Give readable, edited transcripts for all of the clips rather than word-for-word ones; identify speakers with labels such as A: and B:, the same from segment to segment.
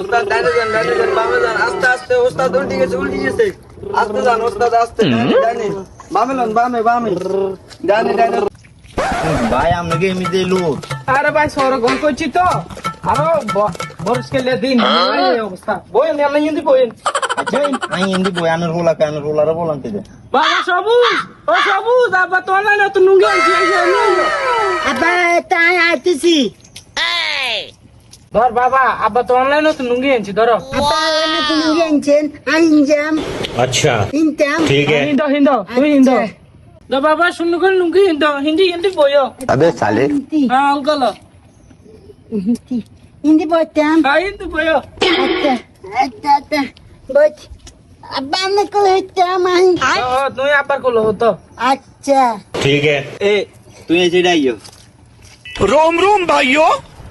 A: ওস্তাদ ডানে যান বামে যান আস্তে আস্তে ওস্তাদ উল্টে গেছে আস্তে যান ওস্তাদ আস্তে ডানে বামে লন বামে ডানে
B: ভাই আপনাকে এমনিতে লোক
C: আরে ভাই সরগম করছি তো আরো বরসকে লে দিন এই অবস্থা বইন আমি হিন্দি বইন
B: আচ্ছা আমি হিন্দি বই আনের রোলারে বলান থেকে
C: বাবা সবুজ আবার তো না তো নুঙ্গি আনছি
D: আব্বা তাই আইতেছি
C: ধর বাবা আব্বা তো অনলাইনে তো নুঙ্গি আনছি ধরো
D: আব্বা এনে তুমি গেছেন আইনজাম
E: अच्छा
D: ইনতাম
E: ठीक है
C: হিন্দো তুই হিন্দো তো বাবা শুনু করে নুঙ্গি হিন্দি বইও
B: আবে সালে
C: হ্যাঁ অঙ্কল
D: হিন্দি বলতাম
C: হ্যাঁ হিন্দি বইও
D: আচ্ছা বল আব্বা আমি কল হইতাম
C: তুই আব্বার কল হতো
D: আচ্ছা
E: ठीक है
B: এ তুই এসে ডাইও
E: रोम रोम भाइयों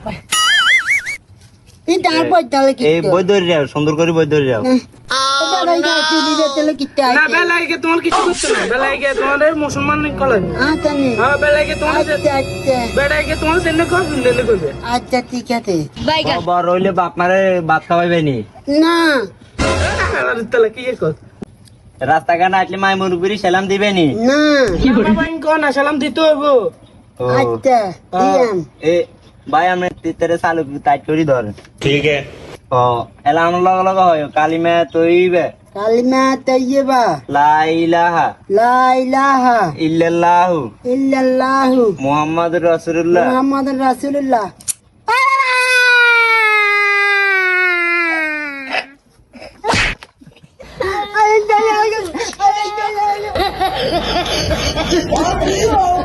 D: তুই তার বইতালে কি
B: এই বই ধরে যাও সুন্দর করে বই ধরে যাও
D: এটা রাইগা তুই দিতে কি তাই
C: না বেলাইকে তোমার কিছু করতে না বেলাইকে তোমাদের মুসলমান কল
D: আচ্ছা নে
C: হ্যাঁ বেলাইকে তোমার
D: আচ্ছা
C: বেলাইকে তোমার দেনে করবে
D: আচ্ছা ঠিক আছে
B: বাবা রইলে বাপ মারে ভাত খাওয়াইবে নি
D: না
C: তাহলে কি কর
B: রাস্তাঘাট আসলে মাই মুরগুরি সালাম দিবে নি
D: না
C: বাবা কোন সালাম দিতে হইব
B: ও,
D: আচ্ছা দিয়াম
B: এ ভাই আমরা তেরে চালু টাইট করি ধর
E: ठीक है
B: ও এলানো লগ হয় কালিমা তৈবে
D: কালিমা তাইয়্যিবা
B: লা ইলাহা
D: লা ইলাহা
B: ইল্লাল্লাহু
D: ইল্লাল্লাহু
B: মুহাম্মাদুর রাসূলুল্লাহ
D: মুহাম্মাদুর রাসূলুল্লাহ